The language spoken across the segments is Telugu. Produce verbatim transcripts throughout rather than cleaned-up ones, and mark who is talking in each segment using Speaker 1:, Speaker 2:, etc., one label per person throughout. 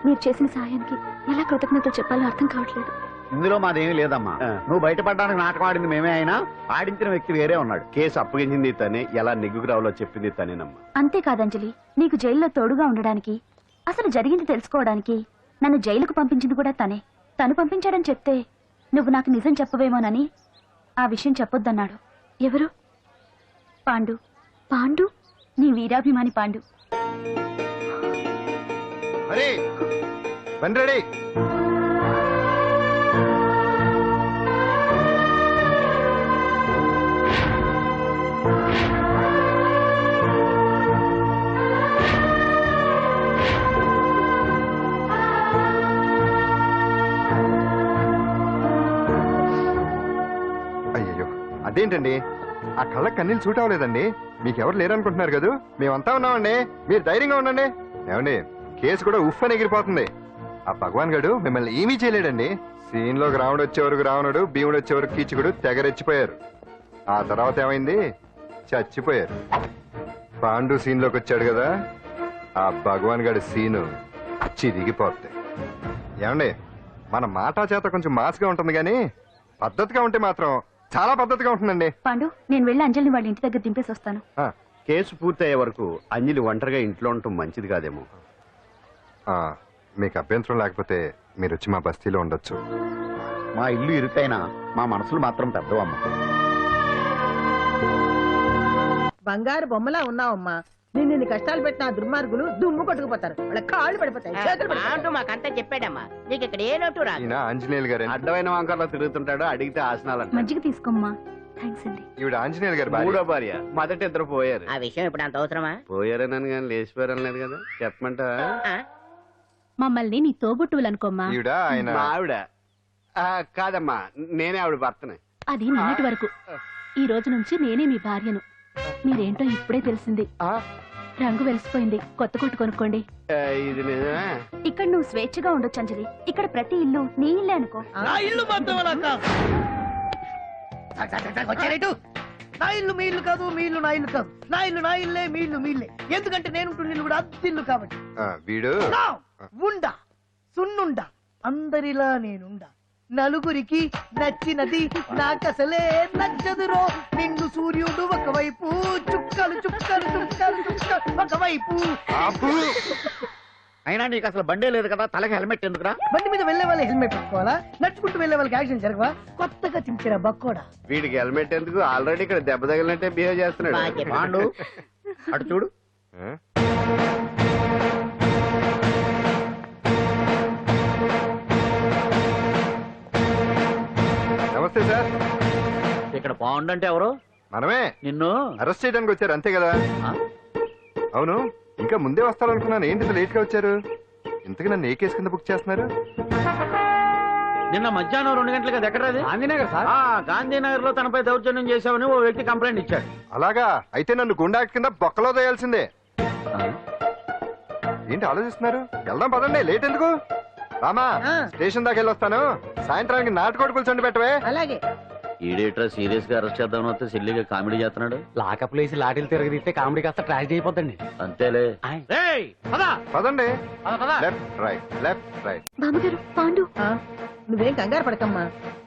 Speaker 1: మీరు చేసిన సాయానికి ఎలా కృతజ్ఞతలు చెప్పాలో అర్థం కావట్లేదు.
Speaker 2: ఇందులో మాదేమీ లేదమ్మా. నువ్వు బయటపడడానికి నాటకం ఆడింది మేమే అయినా ఆడించిన వ్యక్తి వేరే ఉన్నాడు. కేసు అప్పగించింది తనే, ఎలా నెగ్గుకు రావాలో చెప్పింది తనేనమ్మా.
Speaker 1: అంతేకాదంజలి, నీకు జైల్లో తోడుగా ఉండడానికి, అసలు జరిగింది తెలుసుకోవడానికి నన్ను జైలుకు పంపించింది కూడా తనే. తను పంపించాడని చెప్తే నువ్వు నాకు నిజం చెప్పవేమోనని ఆ విషయం చెప్పొద్దన్నాడు. ఎవరు? పాండు. పాండు, నీ వీరాభిమాని పాండు.
Speaker 3: అయ్యో, అదేంటండి ఆ కళ్ళ కన్నీళ్ళు సూట్ అవ్వలేదండి. మీకెవరు లేరనుకుంటున్నారు కదా, మేమంతా ఉన్నామండి. మీరు ధైర్యంగా ఉండండి. ఏమండి, కేసు కూడా ఉఫ్ అని ఎగిరిపోతుంది. ఆ భగవాన్ గడు మిమ్మల్ని ఏమీ చేయలేడండి. సీన్ లోకి రావణుడు వచ్చే వరకు రావణుడు, భీముడు వచ్చే వరకు కీచుకుడు తెగరెచ్చిపోయారు. ఆ తర్వాత ఏమైంది? చచ్చిపోయారు. పాండు సీన్ లోకి వచ్చాడు కదా, ఆ భగవాన్ గడి సీను చిరిగిపోతాయి. ఏమండి, మన మాటా చేత కొంచెం మాస్గా ఉంటుంది కానీ పద్ధతిగా ఉంటే మాత్రం చాలా పద్ధతిగా ఉంటుందండి.
Speaker 1: పాండు, నేను వెళ్ళి అంజలిని వాళ్ళ ఇంటి దగ్గర దింపేసి వస్తాను.
Speaker 2: కేసు పూర్తయ్యే వరకు అంజలి ఒంటరిగా ఇంట్లో ఉండటం మంచిది కాదేమో.
Speaker 3: మీకు అభ్యంతరం లేకపోతే మీరు వచ్చి మా బస్తీలో ఉండొచ్చు.
Speaker 2: మా ఇల్లు ఇరుకైనా మా మనసులు మాత్రం పెద్దవమ్మ.
Speaker 4: బంగారు బొమ్మలా ఉన్నావమ్మా. నిన్ను ఇన్ని కష్టాలు పెట్టిన ఆ దుర్మార్గులు దుమ్ము కొట్టుకుపోతారు. వాళ్ళ కాళ్ళు పడిపోతాయి, చేతులు పడిపోతాయి.
Speaker 5: మాకంతా చెప్పాడమ్మా. నీకు ఇక్కడ ఏ నోటు రా.
Speaker 3: ఆంజనేయులు గారు
Speaker 2: అడ్డమైన వంకర్లో తిరుగుతుంటాడు. అడిగితే ఆసనాలు.
Speaker 1: మజ్జిగ తీసుకోమ్మా. థ్యాంక్స్ అండి.
Speaker 3: ఈవిడ ఆంజనేయులు గారు
Speaker 2: మూడో భార్య. మొదటి ఇద్దరు పోయారు.
Speaker 5: ఆ విషయం ఇప్పుడు అంత అవసరమా?
Speaker 2: పోయారనని కానీ లేచిపోయారని లేదు కదా. చెప్పమంట
Speaker 1: మమ్మల్ని నీ తోబుట్టువులు అనుకోమ్మా.
Speaker 3: ఈవిడ ఆయన
Speaker 2: ఆవిడ కాదమ్మా, నేనే ఆవిడ భర్తనే.
Speaker 1: అది నిన్నటి వరకు. ఈ రోజు నుంచి నేనే మీ భార్యను. మీరేంటో ఇప్పుడే తెలిసింది. రంగు వెలిసిపోయింది. కొత్త కొట్టు కొనుక్కోండి.
Speaker 2: ఇది నిజమే.
Speaker 1: ఇక్కడ నువ్వు స్వేచ్ఛగా ఉండొచ్చు అంజలి. ఇక్కడ ప్రతి ఇల్లు నీ ఇల్లే అనుకో.
Speaker 4: నా ఇల్లు మాత్రం అలా కాదు. నా ఇల్లు మీ ఇల్లు కాదు, మీ ఇల్లు నా ఇల్లు కాదు. నా ఇల్లు నా ఇల్లే, మీ ఇల్లు మీ ఇల్లే. ఎందుకంటే నేను ఉంటున్న ఇల్లు కూడా అద్దిల్లు కాబట్టి.
Speaker 3: వీడు
Speaker 4: ఉండా సున్నుండా అందరిలా నేనుండా. నలుగురికి నచ్చినది నాకసలే నచ్చదురో. నిన్ను సూర్యుడు ఒకవైపు, చుక్కలు చుక్కలు చుక్కలు చుక్కలు ఒకవైపు.
Speaker 2: అయినా నీకు అసలు బండే లేదు కదా, తలకి హెల్మెట్ ఎందుకురా?
Speaker 4: బండి మీద వెళ్లే వాళ్ళు హెల్మెట్ పెట్టుకోవాలా? నడుచుకుంటూ వెళ్లే వాళ్ళకి యాక్షన్ జరగవా? కొత్తగా తింటారా బక్కోడా?
Speaker 2: వీడికి హెల్మెట్ ఎందుకు? ఆల్రెడీ ఇక్కడ దెబ్బ తగిలినట్టే బిహేవ్ చేస్తున్నాడు. పాండు అటు చూడు.
Speaker 3: నమస్తే సార్.
Speaker 2: ఇక్కడ పాండు అంటే ఎవరు?
Speaker 3: మనమే.
Speaker 2: నిన్ను
Speaker 3: అరెస్ట్ చేయడానికి వచ్చారు అంతే కదా? అవును, ఇంకా ముందే వస్తారనుకున్నాను. ఏంటి లేట్ గా వచ్చారు? ఇంతకు నన్ను ఏ కేసు కింద బుక్ చేస్తున్నారు?
Speaker 2: నిన్న మధ్యాహ్నం రెండు గంటలకు ఎక్కడ గాంధీనగర్ సార్. గాంధీనగర్ లో తనపై దౌర్జన్యం చేశామని ఓ వ్యక్తి కంప్లైంట్ ఇచ్చాడు.
Speaker 3: అలాగా? అయితే నన్ను గుండా కింద బొక్కలో తోయాల్సిందే. ఏంటి ఆలోచిస్తున్నారు? వెళ్దాం పదండి, లేట్ ఎందుకు? రామా, స్టేషన్ దాకా వెళ్ళొస్తాను. సాయంత్రానికి నాటుకోడి పులుసు పెట్టవే.
Speaker 4: అలాగే.
Speaker 2: ఈడేటర్ సీరియస్ గా అరెస్ట్ చేద్దామని వస్తే సిల్లిగా కామెడీ చేస్తున్నాడు.
Speaker 6: లాకప్ లేసి లాఠీలు తిరగదీస్తే కామెడీ కాస్త ట్రాజడీ అయిపోద్దండి.
Speaker 2: అంతేలే.
Speaker 3: పదండి. Left right, left right.
Speaker 1: బామ్మగారు, పాండు.
Speaker 4: నువ్వేం కంగారు పడకమ్మా.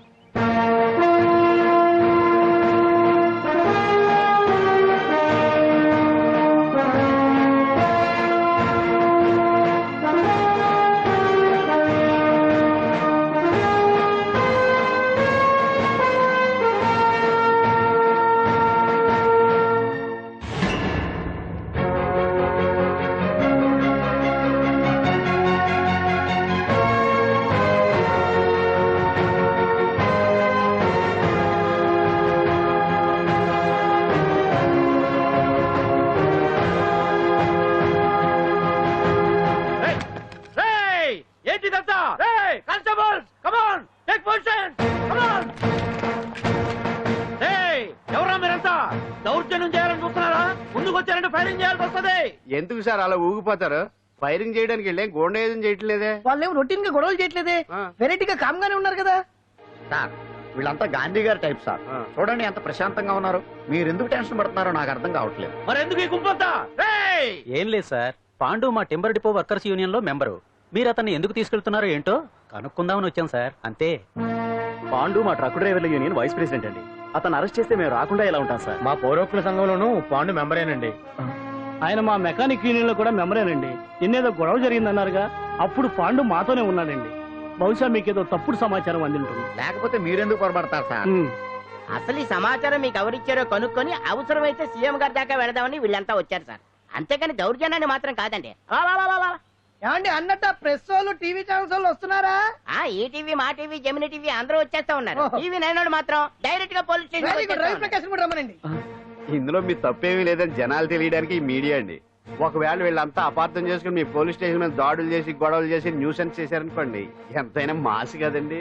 Speaker 2: ఎందుకు సార్ అలా ఊగిపోతారు? ఫైరింగ్ చేయడానికి వెళ్ళే గోండా ఏదైనా చేయట్లేదే.
Speaker 4: వాళ్ళేం రొటీన్ గా గొడవలు చేయట్లేదే. వెరైటీగా కామ్ గానే ఉన్నారు కదా
Speaker 2: సార్. వీళ్ళంతా గాంధీ గారి టైప్ సార్. చూడండి ఎంత ప్రశాంతంగా ఉన్నారు. మీరు ఎందుకు టెన్షన్ పడుతున్నారో నాకు అర్థం కావట్లేదు. మరి ఎందుకు ఈ గుంపంతా?
Speaker 6: ఏం లేదు సార్, పాండు మా టింబర్ డిపో వర్కర్స్ యూనియన్ లో మెంబరు. మీరు అతన్ని ఎందుకు తీసుకెళ్తున్నారో ఏంటో కనుక్కుందామని వచ్చాం సార్ అంతే.
Speaker 7: పాండు మా ట్రక్ డ్రైవర్ల యూనియన్ వైస్ ప్రెసిడెంట్ అండి. అతను అరెస్ట్ చేస్తే మేము రాకుండా ఎలా ఉంటాం సార్?
Speaker 8: మా పౌరోక్తుల సంఘంలోనూ పాండు మెంబరేనండి.
Speaker 9: ఆయన మా మెకానిక్ యూనియన్ లో కూడా మెంబరేనండి. నిన్నేదో గొడవ జరిగిందన్నారుగా, అప్పుడు పాండు మాతోనే ఉన్నాడండి. బహుశా మీకేదో తప్పుడు సమాచారం అందింటుంది.
Speaker 2: లేకపోతే మీరెందుకు పొరపడతారు సార్?
Speaker 9: ఉమ్.
Speaker 5: అసలు ఈ సమాచారం మీకు ఎవరిచ్చారో కనుక్కొని అవసరమైతే సీఎం గారి దాకా వెళదామని వీళ్ళంతా వచ్చారు సార్. అంతేకాని దౌర్జన్యాన్ని మాత్రం కాదండి. వా, వా, వా, వా, వా.
Speaker 4: ఏమండి అన్నట్టు ప్రెస్ వాళ్ళు టీవీ ఛానల్స్ వాళ్ళు వస్తున్నారా?
Speaker 5: ఆ ఈ టీవీ మా టీవీ జమిని టీవీ అందరూ వచ్చేస్తా ఉన్నారు.
Speaker 4: ఓహో.
Speaker 5: టీవీ నైన్ వాళ్ళు మాత్రం డైరెక్ట్ గా police
Speaker 4: very good. Ravi
Speaker 5: station
Speaker 4: Prakash కూడా రమ్మనండి.
Speaker 2: ఇందులో మీ తప్పేమీ లేదని జనాలు తెలియడానికి ఈ మీడియా అండి. ఒకవేళ వీళ్ళంతా అపార్థం చేసుకుని మీ పోలీస్ స్టేషన్ మీద దాడులు చేసి గొడవలు చేసి న్యూసెన్స్ చేశారనుకోండి, ఎంతైనా మాసి కదండి.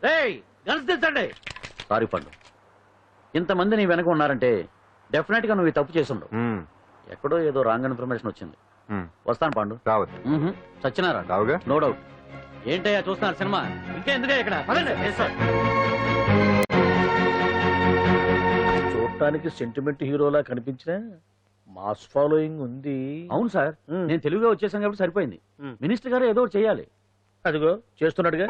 Speaker 7: సారీ పండు, ఇంతమంది నీ వెనక ఉన్నారంటే డెఫినెట్ గా నువ్వు ఈ తప్పు చేసుండవు.
Speaker 3: ఉమ్,
Speaker 7: ఎక్కడో ఏదో రాంగ్ ఇన్ఫర్మేషన్ వచ్చింది.
Speaker 3: ఉమ్.
Speaker 7: వస్తాను పాండు.
Speaker 3: రావద్దు.
Speaker 7: మ్మ్హ్మ్. సత్యనారాయణ
Speaker 3: రావుగా.
Speaker 7: No doubt. ఏంటయ్యా చూస్తున్నారు సినిమా? ఇంకా ఎందుకే ఇక్కడ? పదండి. Yes, sir.
Speaker 8: చూడటానికి సెంటిమెంట్ హీరోలా కనిపించిన మాస్ ఫాలోయింగ్ ఉంది.
Speaker 7: అవును సార్,
Speaker 8: మ్మ్.
Speaker 7: నేను తెలుగుగా వచ్చేసాను కాబట్టి సరిపోయింది.
Speaker 8: మ్మ్.
Speaker 7: మినిస్టర్ గారు ఏదో ఒకటి చేయాలి.
Speaker 8: అదిగో చేస్తున్నాడుగా.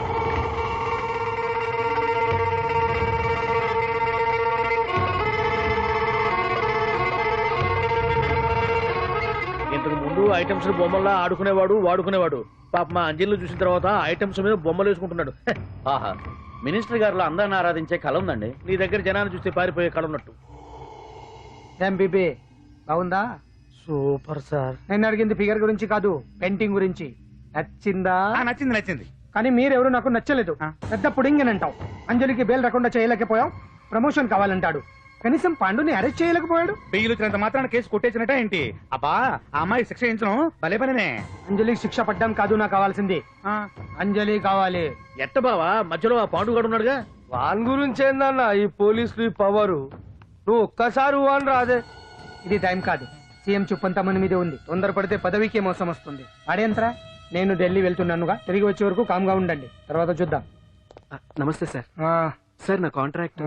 Speaker 8: ఇంతకు ముందు ఐటమ్స్ బొమ్మల్లా ఆడుకునేవాడు వాడుకునేవాడు. పాప మా అంజలిని చూసిన తర్వాత ఐటమ్స్ మీద బొమ్మలు వేసుకుంటున్నాడు. హె,
Speaker 7: ఆహా, మినిస్టర్ గారిలో అందరిని ఆరాధించే కళ ఉందండి.
Speaker 8: నీ దగ్గర జనాన్ని చూస్తే పారిపోయే కళ ఉన్నట్టు.
Speaker 10: ఎంబీబీ బాగుందా?
Speaker 8: Super sir.
Speaker 10: నేను అడిగింది ఫిగర్ గురించి కాదు, పెయింటింగ్ గురించి. నచ్చిందా?
Speaker 8: నచ్చింది నచ్చింది.
Speaker 10: కానీ మీరెవరు నాకు నచ్చలేదు. పెద్ద పుడింగ్ అని అంటావు. అంజలికి బెయిల్ రాకుండా చేయలేకపోయావు. ప్రమోషన్ కావాలంటాడు. కనీసం పాండుని అరెస్ట్ చేయలేకపోయాడు.
Speaker 8: బెయిల్ వచ్చినంత మాత్రాన కేసు కొట్టేసినట్ట ఏంటి? అబ్బా, ఆ అమ్మాయి శిక్ష చేయించడం భలే పనినే.
Speaker 10: అంజలికి శిక్ష పడ్డం కాదు నాకు కావాల్సింది. అంజలి కావాలి.
Speaker 8: ఎట్ట బావా, మధ్యలో ఆ పాండుగాడు ఉన్నాడుగా.
Speaker 10: వాన్ గురించి ఏందన్నా ఈ పోలీసులు ఈ పవరు? నువ్వు ఒక్కసారి వాన్ రాదే. ఇది టైం కాదు. సీఎం చుప్పంతా మన మీదే ఉంది. తొందరపడితే పదవికి మోసం వస్తుంది. అడేంతరా, నేను ఢిల్లీ వెళ్తున్నానుగా. తిరిగి వచ్చే వరకు కామ్గా ఉండండి, తర్వాత చూద్దాం.
Speaker 6: నమస్తే సార్. సార్ నా కాంట్రాక్ట్.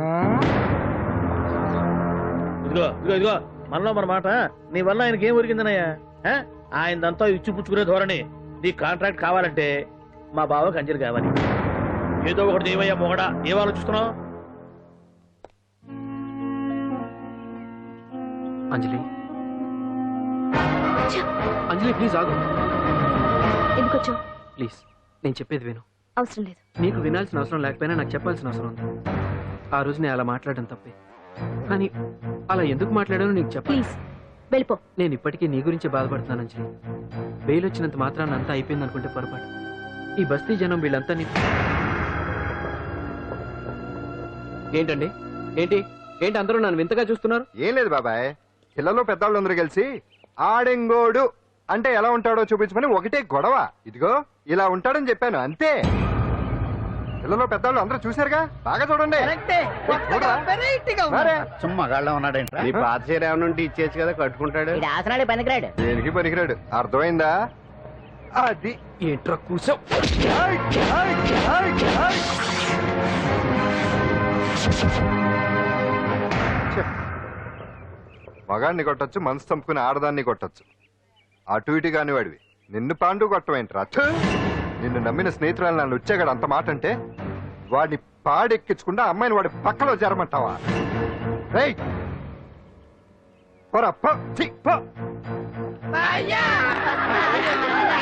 Speaker 8: ఇదిగో ఇదిగో ఇదిగో మనలో మన మాట. నీ వల్ల ఆయనకి ఏం ఒరిగిందనయ్యా? ఆ? ఆయనదంతా ఇచ్చి పుచ్చుకునే ధోరణి. నీ కాంట్రాక్ట్ కావాలంటే మా బావకి అంజలి కావాలి. ఏదో ఒకటి ఏమయ్యా మొగడా, ఏం ఆలోచిస్తున్నావు?
Speaker 6: అంజలి, అంజలి ప్లీజ్ ఆగు.
Speaker 1: ఎందుకు వచ్చావు?
Speaker 6: ప్లీజ్ నేను చెప్పేది విను.
Speaker 1: అవసరం లేదు.
Speaker 6: నీకు వినాల్సిన అవసరం లేకపోయినా నాకు చెప్పాల్సిన అవసరం ఉంది. ఆ రోజు నేను అలా మాట్లాడడం తప్పే, కానీ అలా ఎందుకు మాట్లాడానో నీకు చెప్ప.
Speaker 1: ప్లీజ్ వెళ్ళిపో.
Speaker 6: నేను ఇప్పటికీ నీ గురించి బాధపడుతున్నాను అంజలి. బెయిల్ వచ్చినంత మాత్రాన్ని అంతా అయిపోయింది అనుకుంటే పొరపాటు. ఈ బస్తీ జనం వీళ్ళంతా నీ... ఏంటండి ఏంటి ఏంటి అందరూ నన్ను వింతగా చూస్తున్నారు?
Speaker 3: ఏం లేదు బాబాయ్, పిల్లలు పెద్దవాళ్ళందరూ కలిసి ఆడెంగోడు అంటే ఎలా ఉంటాడో చూపించమని ఒకటే గొడవ. ఇదిగో ఇలా ఉంటాడని చెప్పాను అంతే. పిల్లలు పెద్దవాళ్ళు అందరూ చూశారుగా, బాగా చూడండి.
Speaker 4: కరెక్టే. కొత్తగా వెరైటీగా ఉంది.
Speaker 3: మరే,
Speaker 7: సుమ్మా గాళ్ళ ఉన్నాడేంట్రా?
Speaker 2: నీ పాత చీర ఏమైనా ఉంటే ఇచ్చేసి కదా కట్టుకుంటాడు.
Speaker 5: ఇది ఆసనాడే పనికిరాడు.
Speaker 3: దేనికి పనికిరాడు, అర్థమైందా? అది
Speaker 6: ఏంట్రా కూర్చో.
Speaker 3: మగాన్ని కొట్టచ్చు, మనసు చంపుకుని ఆడదాన్ని కొట్టచ్చు. అటు ఇటు కాని వాడివి నిన్ను పాండు కొట్టమేంట్రా? ఛే! నిన్ను నమ్మిన స్నేహితురాలు నన్ను వచ్చాగాడు అంత మాట అంటే వాడిని పాడెక్కించకుండా అమ్మాయిని వాడి పక్కలో జరమంటావా? రేయ్ పోరా, పో, ఛీ, పో.
Speaker 4: అయ్యా!